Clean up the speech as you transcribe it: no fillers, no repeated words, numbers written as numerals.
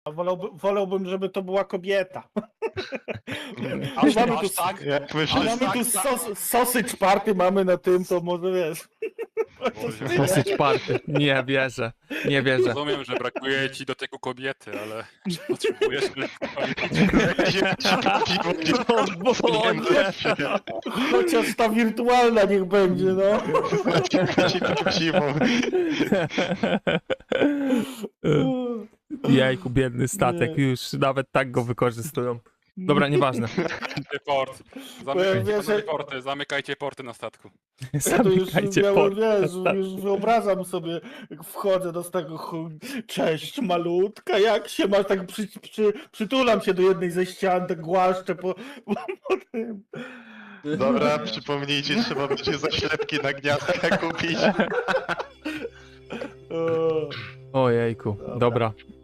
Wolałbym, żeby to była kobieta. Aż Mamy tu, tak? Jak a myślisz? mamy tu sausage party, mamy na tym, to może wiesz. Dosyć party. Nie wierzę. Nie wierzę. Rozumiem, że brakuje ci do tego kobiety, ale czy potrzebujesz Chociaż ta wirtualna niech będzie, no. Jejku, biedny statek. Nie. Już nawet tak go wykorzystują. Dobra, nieważne. port? Powiem, wiesz, Zamykajcie porty na statku. Ja to już Zamykajcie miałem, port. wiesz, już wyobrażam sobie, jak wchodzę do tego, cześć malutka, jak się masz, tak przytulam się do jednej ze ścian, tak głaszczę po tym. Dobra, przypomnijcie, trzeba będzie zaślepki na gniazdka kupić. Ojejku, dobra.